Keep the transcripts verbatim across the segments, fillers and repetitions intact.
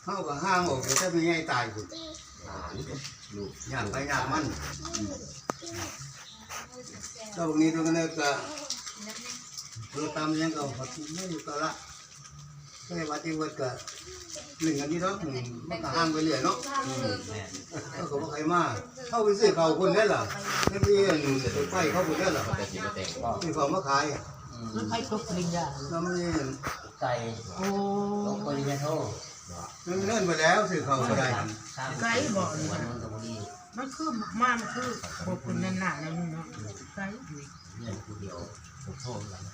เข้ากับห้างออกแต่ถ้าไม่ง่ายตายคุณลูกอย่างไปอย่างมันเจ้าพวกนี้ตัวนี้ก็เราตามยังก็พัดไม่ก็ละก็ให้วัดที่วัดก็หนึ่งอันนี้เนาะมันก็ห้างไปเรื่อยเนาะก็เขาบอกใครมาเข้าไปซื้อเขาคนได้หรอไม่มีไฟเข้าคนได้หรอมีของมาขายแล้วใครตกปริญญาแล้วมีไก่ตกปริญญาโทมันเลื่อนไปแล้วซื้อเขาก็ได้ไก่บอกมันคือมามันคือบอกคุณนั่นหนาแล้วนี่เนาะไก่เรื่องผู้เดียวตกโทษแล้ว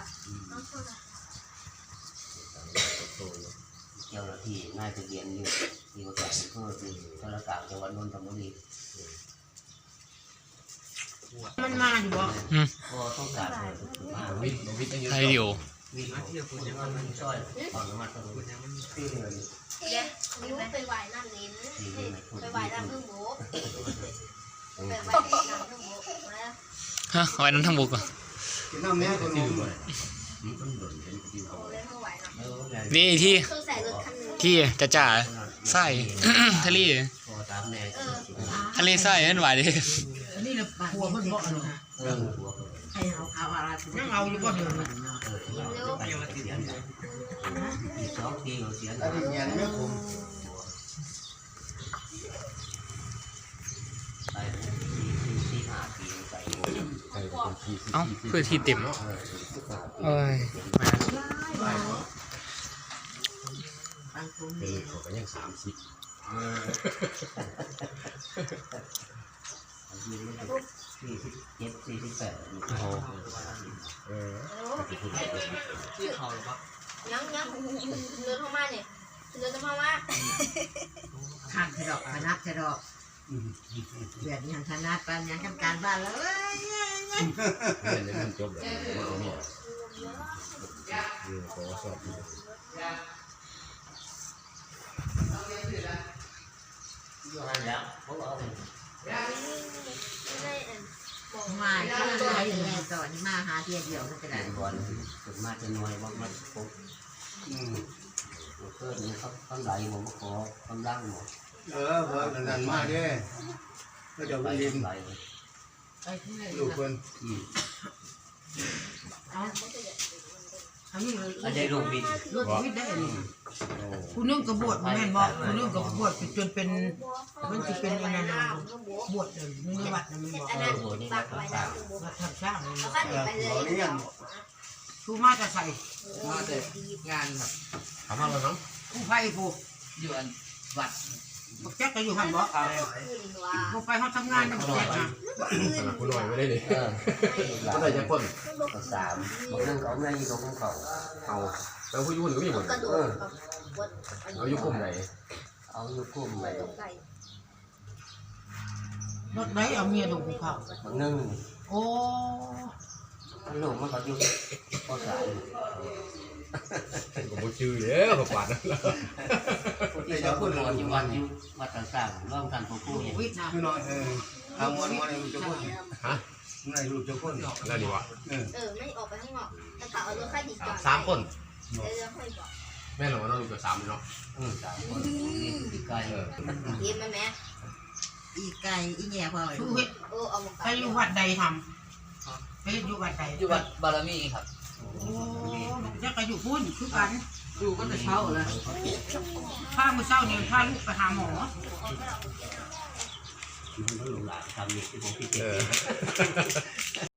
เจ้าหน้าที่น่าจะเรียนอยู่ที่ว่าการเพื่อที่ธนาคารจังหวัดนนทบุรีมันมาอยู่บ่ก็ต้องการมาวิทย์วิทย์ตั้งเยอะไทยดิววิทย์เที่ยวคุณยังมันช่วยตอนนั้นมันคุณยังมันที่เลยเนี่ยนิ้วไปไหวน้ำลิ้นไปไหวน้ำพึ่งโบไปไหวน้ำพึ่งโบฮะไว้น้ำทั้งบุกอ่ะกินน้ำแม่ก็รู้นี่ที่ที่จะจ่าไส้ทะเลทะเลไส้นั่นหวานดินี่แหละหัวมันบ่อนนะให้เอาเอาอะไรนั่งเอาอยู่บ่เดินสองปีเสียอันนี้เงี้ยไม่คุ้มเอ้าเพื่อที่เต็มเอ้ยปีเขาก็ยังสามสิบสี่สิบเจ็ดสี่สิบแปดโอ้โหเออชื่อเขาหรือเปล่ายังยังเดินเข้ามาเนี่ยเดินเข้ามาขาดดอกพนักจะดอกเดือดยังธนาปันยังทำการบ้านแล้วเอ้ยเรียนยังจบเลยว่าเอาเนี่ยเออขอสอบอยู่หันแล้วเขาบอกมาที่เราอยู่ในตอนมาหาเทียเดียวก็จะได้บอลถึงมาจะน้อยว่ามันปุ๊บอืมเพื่อนนี่เขาเขาไหลผมขอกำลังหมดเออพอนั่นมาเด้ก็จะไปยินลูกคนอืมเอาอันนี้เลยอันนี้ลูกบิดลูกบิดได้เลยคุณนุ่งกระบวดแม่นบอกคุณนุ่งกระบวดจนเป็นมันจะเป็นอะไรนะบวชเลยมึงวัดนะมึงบอกเออโหนี่วัดต่างๆวัดทำช่างเลยเราเลี้ยงชูมาจะใส่มาแต่งานครับถามมาแล้วน้องผู้ไฟผู้อยู่อันวัดบอกแจ๊กก็อยู่หันบอกผู้ไฟเขาทำงานอยู่แจ๊กนะคุณหน่อยไม่ได้เลยก็ได้ยังคนสามบอกนั่งเขาไม่อยู่ตรงเขาเอาแล้วผู้ยุ่นก็มีหมดเออเอายุคกลุ่มไหนเอายุคกลุ่มไหนรถไหนเอาเมียดูเขาบางนึ่งโอ้ลูกมันก็อยู่ก็สายก็บ่ชื่อแล้วก็ปาดนั่นแล้วที่เขาพูดว่าอยู่วัดอยู่วัดต่างๆร่วมกันผู้ผู้อย่างวิทย์นะคือน้อยเออทำวันวันลูกจะพ้นฮะในลูกจะพ้นแล้วดีวะเออไม่ออกไปข้างนอกแต่เขาเอารถค่าดีก่อนสามคนเดี๋ยวค่อยบอกแม่เราว่าน้องลูกจะสามเนาะอืมสามคนอีกไกลเออยิ้มไหมแม่อีไก่อีแง่พ่อชูเวทเออเอาไปอยู่วัดใดทำไปอยู่วัดใดอยู่วัดบารมีครับโอ้จะไปอยู่พุ่นคือกันอยู่ก็จะเช่าเลยพาเมื่อเช้าเนี่ยพาลูกไปหาหมอลูกหลานทำนี่ที่ผมคิดเอง